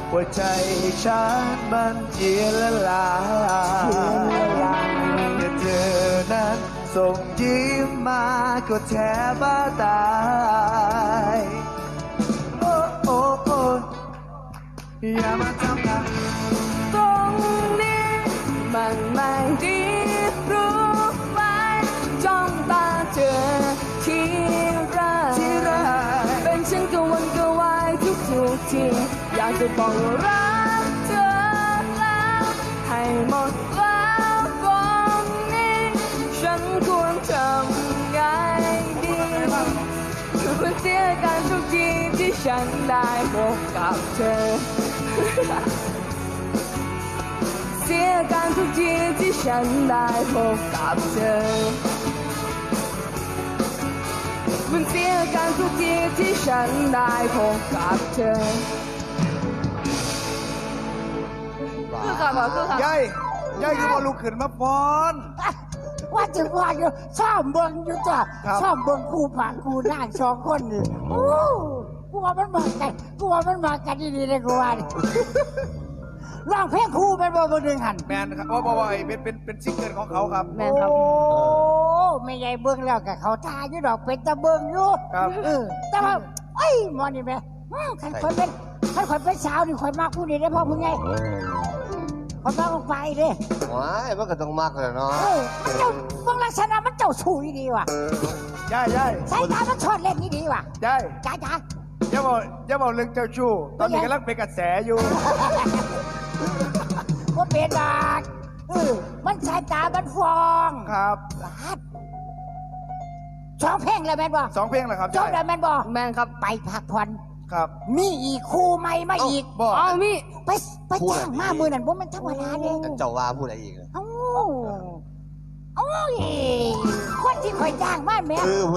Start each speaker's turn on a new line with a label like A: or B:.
A: หัวใจฉันมันเจียนละลายแต่เธอนั้นส่งยิ้มมาก็แทบบ้าตายโอ้โอ้โอ้อย่ามาทำกัน
B: ตรงนี้มันไม่ดีรู้ไหมจ้องตาเธอที่ไรเป็นฉันก็วนก็วายทุกทีอยากจะบอกว่ารักเธอแล้วให้หมดแล้วตรงนี้ฉันควรทำไงดีคือเสียกันทุกทีที่ฉันได้พบกับเธอเสียกันทุกทีที่ฉันได้พบกับเธอมันเสียกันทุกทีที่ฉันได้พบกับเธอคือค่ะคือค่ะ
A: ยายคือมาลุกขึ้นมาฟ้อน
C: ว่าจะว่าอยู่ชอบเบิ่งอยู่จ้ะชอบเบิ่งคู่ผ่านคู่นั่งสองคนนี่โอ้กูว่ามันมากันดีๆเลยกูว่าร้องเพลงคู่เป็นบ่ดึงหัน
A: แมนครับบ่เป็นซิงเกิลของเขาครับ
B: แม่ครับ
C: โอ้ไม่ใหญ่เบิ่งแล้วกับเขาทาอยู่ดอกเป็นตะเบิ่งอยู่
A: ครับ
C: แต่ว่าไอ้มอนี่แม่คันคนเป็นสาวนี่คนมากผู้นี้ได้พ่อผู้ใหญ่คนมากลงไปเด้
D: ว้ายมันก็ต้องมากเลยเนาะ
C: มันเจ้าเบิ่งลักษณะมันเจ้าชูดีว่ะ
A: ยาย
C: สายตามันชดเล่นนี่ดีว่ะ
A: ยาย
C: จ้า
A: อย่าบอกเรื่องเจ้าชู้ตอนนี้กำลังเป็นกระแสอยู่
C: ว่าเป็นดากมันสายตามันฟอง
A: ครับ
C: สองเพลงเลยแม่นบ่
A: 2 เพลงเหรอครับ
C: จบแล้วแม่นบ่
B: แม่ครับ
C: ไปพักผ่อน
A: ครับ
C: มีอีกคู่ใหม่มาอีก
B: เอามี
C: ไปจ้างมามือนั่นบ่มันธรรมดาเด้
D: เจ้าว่าพูดอะไรอีก
C: เอ้าคนที่คอยจ้างมาแม่